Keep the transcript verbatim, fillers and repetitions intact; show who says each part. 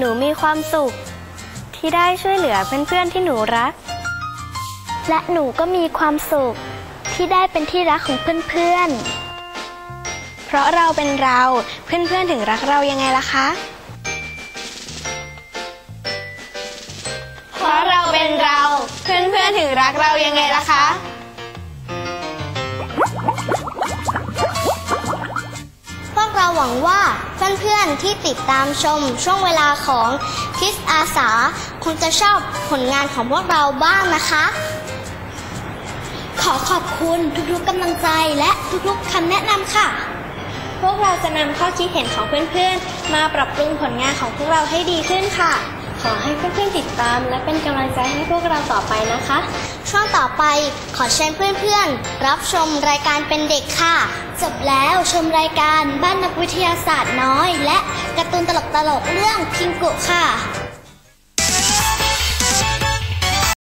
Speaker 1: นูมีความสุขที่ได้ช่วยเหลือเพื่อนๆที่หนูรักและหนูก็มีความสุขที่ได้เป็นที่รักของเพื่อนๆเพราะเราเป็นเราเพื่อนๆถึงรักเรายังไงล่ะคะเพราะเราเป็นเราเพื่อนๆถึงรักเรายังไงล่ะคะพวกเราหวังว่าเพื่อนๆที่ติดตามชมช่วงเวลาของคิสอาสาคงจะชอบผลงานของพวกเราบ้างนะคะขอขอบคุณทุกๆกำลังใจและทุกๆคำแนะนำค่ะพวกเราจะนำข้อคิดเห็นของเพื่อนๆมาปรับปรุงผลงานของพวกเราให้ดีขึ้นค่ะขอให้เพื่อนๆติดตามและเป็นกำลังใจให้พวกเราต่อไปนะคะช่วงต่อไปขอเชิญเพื่อนๆรับชมรายการเป็นเด็กค่ะจบแล้วชมรายการบ้านนักวิทยาศาสตร์น้อยและการ์ตูนตลกๆเรื่องพิงกุค่ะ